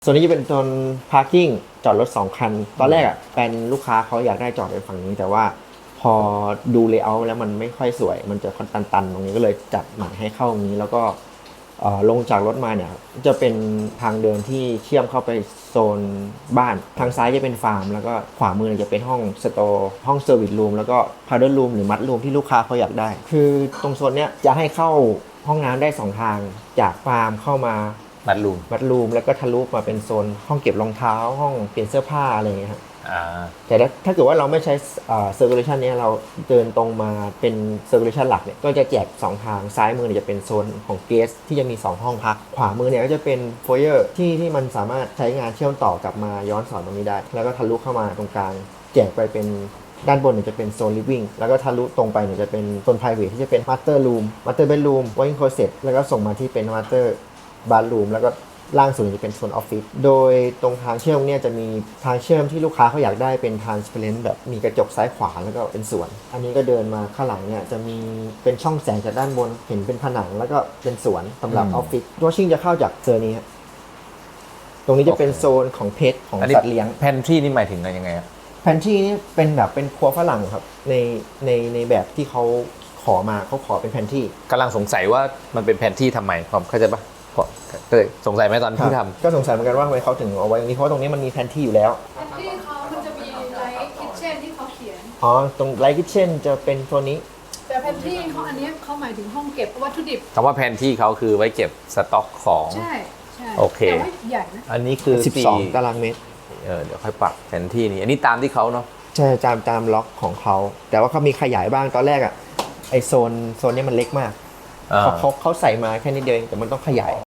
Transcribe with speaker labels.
Speaker 1: ส่วนนี้จะเป็นโซน parking จอดรถ2คันตอนแรกอ่ะเป็นลูกค้าเขาอยากได้จอดในฝั่งนี้แต่ว่าพอดูเลเยอร์แล้วมันไม่ค่อยสวยมันจะตันๆตรงนี้ก็เลยจัดหมายให้เข้าตรงนี้แล้วก็ลงจากรถมาเนี่ยจะเป็นทางเดินที่เชื่อมเข้าไปโซนบ้านทางซ้ายจะเป็นฟาร์มแล้วก็ขวามือจะเป็นห้องสโตร์ห้องเซอร์วิสรูมแล้วก็พาวเดอร์รูมหรือมัดรูมที่ลูกค้าเขาอยากได้คือตรงโซนเนี้ยจะให้เข้าห้องน้ำได้2ทางจากฟาร์มเข้ามา
Speaker 2: มัดรูม
Speaker 1: แล้วก็ทะลุมาเป็นโซนห้องเก็บรองเท้าห้องเปลี่ยนเสื้อผ้าอะไรอย่างเงี้ยครับ
Speaker 2: า
Speaker 1: แต่ถ้าเกิดว่าเราไม่ใช้circulation นี้เราเดินตรงมาเป็น circulation หลักเนี่ยก็จะแจก2ทางซ้ายมือเนี่ยจะเป็นโซนของ guest ที่จะมี2ห้องพักขวามือเนี่ยก็จะเป็น foyer ที่มันสามารถใช้งานเชื่อมต่อกลับมาย้อนสอนตรงนี้ได้แล้วก็ทะลุเข้ามาตรงกลางแจกไปเป็นด้านบนเนี่ยจะเป็นโซน living แล้วก็ทะลุตรงไปเนี่ยจะเป็นโซน private ที่จะเป็น master room master bedroom walk-in closet แล้วก็ส่งมาที่เป็น master bathroom แล้วก็ล่างสุดจะเป็นโซนออฟฟิศโดยตรงทางเชื่อมเนี่ยจะมีทางเชื่อมที่ลูกค้าเขาอยากได้เป็น transparent แบบมีกระจกซ้ายขวาแล้วก็เป็นสวนอันนี้ก็เดินมาข้างหลังเนี่ยจะมีเป็นช่องแสงจากด้านบนเห็นเป็นผนังแล้วก็เป็นสวนสำหรับออฟฟิศวอชิ่งจะเข้าจากเซอร์นี้ครับตรงนี้จะเป็นโซนของเพชของสัตว์เลี้ยง
Speaker 2: แพนทรีนี่หมายถึงอะไรยังไงครับ
Speaker 1: แพนทรีนี่เป็นแบบเป็นครัวฝรั่งครับในแบบที่เขาขอมาเขาขอเป็นแพนทรี
Speaker 2: กำลังสงสัยว่ามันเป็นแพนทรีทำไมผมเข้าใจปะเคยสงสัยไหมตอนที่ทำ
Speaker 1: ก็สงสัยเหมือนกันว่าทำไมเขาถึงเอาไว้ตรงนี้เพราะตรงนี้มันมีแพนทรีอยู่แล้ว
Speaker 3: แพนทรีเขามันจะมีไลท์คิทเช่นที่เขาเขียน
Speaker 1: ตรงไลท์คิทเช่นจะเป็นตัวนี้
Speaker 3: แต่แพนทรีเขาอันนี้เขาหมายถึงห้องเก็บวัตถุดิบ
Speaker 2: คำว่าแพนทรีเขาคือไว้เก็บสต็อกของ
Speaker 3: ใช่
Speaker 2: โอเค
Speaker 3: แต่ว่าใหญ่นะ
Speaker 2: อันนี้คือ
Speaker 1: 12 ตารางเมตร
Speaker 2: เดี๋ยวค่อยปรับแผนที่นี้อันนี้ตามที่เขาเนาะ
Speaker 1: ใช่ตามล็อกของเขาแต่ว่าเขามีขยายบ้างตอนแรกอ่ะไอโซนนี้มันเล็กมากเขาใส่มาแค่นิดเดียวเองแต่มันต้องขยาย